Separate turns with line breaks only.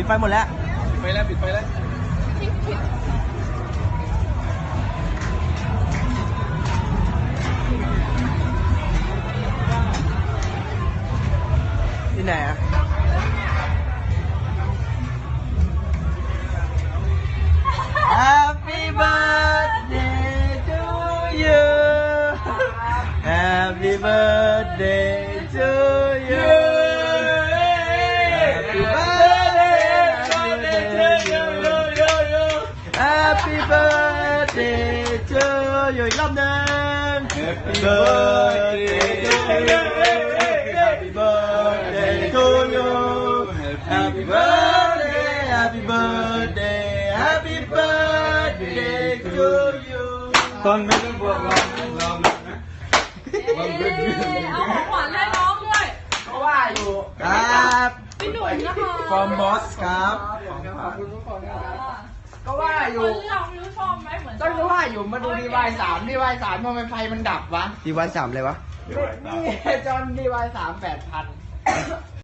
ดไฟหมดแล้ว
ปิดไฟแล้ว
ที่ไหนอะ Happy birthday to you Happy birthday to you Happy birthday Happy birthday to you อีกรอบหนึ่ง Happy birthday Happy birthday to you Happy birthday Happy birthday Happy birthday to you
ตอนไม่ต้องบอกเรา
เอาของขวัญให้น้องด้วย
ก็ว่าอยู่ครับ
พี่หนุ่มนะคะ
from boss ครับ
ขอบคุณทุกคนนะครับ
ก็ว่าอ
ค
ยู่
นเลือกไม่รู้ชอบไหมเหมือน
ก็ว่าอยู่มาดูดีวายสามทำไมไฟมันดับวะดีวายสามเลยวะนี่จอนดีวาย3 8,000